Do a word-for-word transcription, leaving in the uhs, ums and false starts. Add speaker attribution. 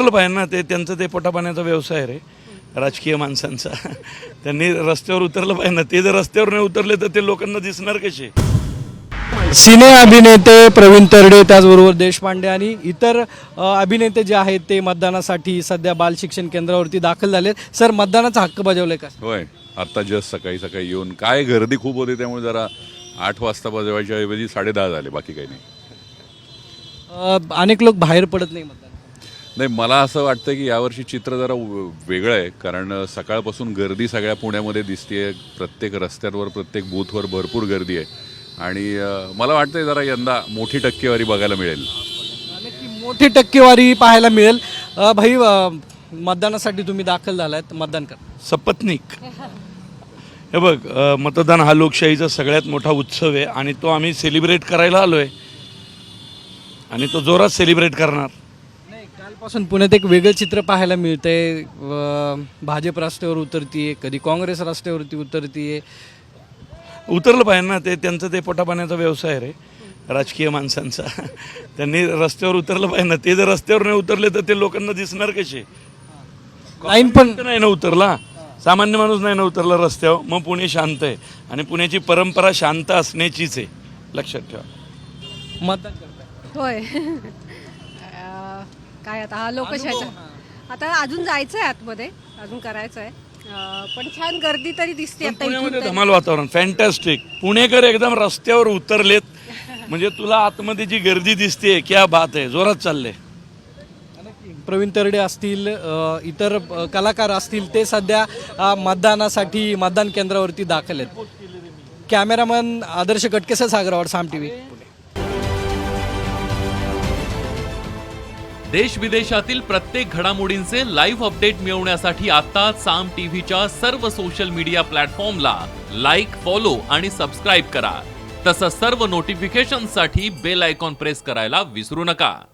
Speaker 1: उतरलं पाहिजे ना, ते त्यांचं ते पोटापाण्याचा व्यवसाय रे राजकीय माणसांचा. त्यांनी रस्त्यावर उतरलं पाहिजे ना. ते जर रस्त्यावर नाही उतरले तर ते लोकांना दिसणार कसे?
Speaker 2: सिने अभिनेते प्रवीण तरडे, त्याचबरोबर देशपांडे आणि इतर अ, अभिनेते जे आहेत ते मतदानासाठी सध्या बाल शिक्षण केंद्रावरती दाखल झालेत. सर, मतदानाचा हक्क बजावलाय का?
Speaker 3: होय, आत्ता जस्ट सकाळी सकाळी येऊन काय गर्दी खूप होती त्यामुळे जरा आठ वाजता बजवायच्या ऐवजी साडे दहा झाले, बाकी काही नाही.
Speaker 2: अ, अनेक लोक बाहेर पडत नाही मतदान.
Speaker 3: नाही, मला असं वाटतं की यावर्षी चित्र जरा व- वेगळं आहे, कारण सकाळपासून गर्दी सगळ्या पुण्यामध्ये दिसते. प्रत्येक रस्त्यांवर प्रत्येक बूथवर भरपूर गर्दी आहे आणि अ, मला वाटतंय जरा यंदा मोठी टक्केवारी बघायला मिळेल.
Speaker 2: नक्की मोठी टक्केवारी पाहायला मिळेल. अ, भाई, अ, मतदानासाठी तुम्ही दाखल झालात, मतदान करा.
Speaker 1: सपत्नीक. हे बघ, अ, मतदान हा लोकशाहीचा सगळ्यात मोठा उत्सव आहे आणि तो आम्ही सेलिब्रेट करायला आलो आहे आणि तो जोरात सेलिब्रेट करणार.
Speaker 2: नाही, कालपासून पुण्यात एक वेगळं चित्र पाहायला मिळतंय. अ, भाजप रस्त्यावर उतरतीये, कधी काँग्रेस रस्त्यावरती उतरतीये.
Speaker 1: उतरलं पाहिजे ना, ते त्यांचं ते पोटापाण्याचा व्यवसाय रे राजकीय माणसांचा. त्यांनी रस्त्यावर उतरलं पाहिजे ना. ते जर रस्त्यावर नाही उतरले तर ते लोकांना दिसणार कसे?
Speaker 2: लाईन पण
Speaker 1: तर नाही ना उतरला, सामान्य माणूस नाही ना उतरला रस्त्यावर, मग पुणे शांत आहे. आणि पुण्याची परंपरा शांत असण्याचीच आहे, लक्षात ठेवा.
Speaker 2: मतदान करताय.
Speaker 4: होय. अं, काय आता हा लोकशाहीचा आता अजून जायचं आहे, आतमध्ये अजून करायचं आहे. अं, पण छान गर्दी तरी दिसते
Speaker 1: पण
Speaker 4: आता इथून
Speaker 1: पुण्यामध्ये
Speaker 4: तरी.
Speaker 1: धमाल वातावरण, फॅन्टॅस्टिक. पुणेकर एकदम रस्त्यावर उतरलेत, म्हणजे तुला आतमध्ये जी गर्दी दिसते, क्या बात आहे, जोरात चालले.
Speaker 2: प्रवीण तरडे असतील, अ, इतर अ, कलाकार असतील, ते सध्या अ, मतदानासाठी मतदान केंद्रावरती दाखल आहेत. कॅमेरामन आदर्श कटकेसह सागरावर, साम टीव्ही.
Speaker 5: देश विदेशातील प्रत्येक घडामोडींचे लाईव्ह अपडेट मिळवण्यासाठी आता साम टीव्हीच्या सर्व सोशल मीडिया प्लॅटफॉर्मला लाईक, फॉलो आणि सबस्क्राईब करा. तसंच सर्व नोटिफिकेशनसाठी बेल आयकॉन प्रेस करायला विसरू नका.